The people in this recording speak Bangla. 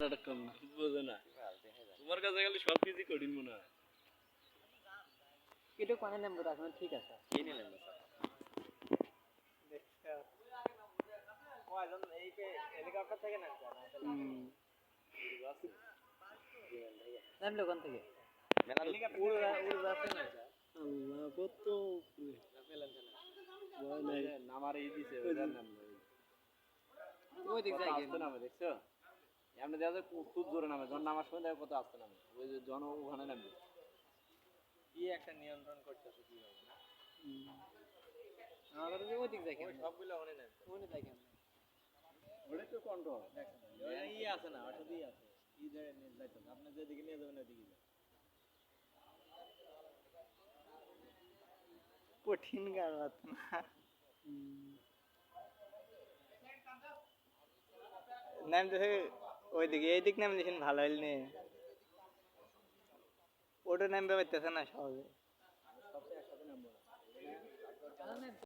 কম না বোঝে না তোমার কাছে গেলে সব কিছু কঠিন মনে হয় এটা কোনে নাম্বার রাখবেন ঠিক আছে কি নিলেন কয়জন এই যে হেলিকপ্টার থেকে নামছে নামলো কোন থেকে হেলিকপ্টার উড়ে যাচ্ছে না আল্লাহ কত ভয় নাই নামার এই দিছে ওইটার নাম ওই দিক যায় আসতে নামে দেখছো এমনি দেখা যায় খুব জোরে নামে যখন নামার সময় দেখো কত আসতে নামে ওই যে জন ওখানে নামবে কি একটা নিয়ন্ত্রণ করতেছে কি হবে না আমাদের যে ওই দিক যায় কেন সবগুলো ওখানে নামছে ওখানে যায় কেন ওটা তো কন্ট্রোল ই আছে না ওটাতেই আছে ই যায় যাইতো আপনি যেদিকে নিয়ে যাবেন ওইদিকে যায় কঠিন গাড়াত না নামতেছে ওইদিকে এইদিক নাম দিয়েছেন ভালো হইল নে ওটা নামবে পারতেছে না সহজে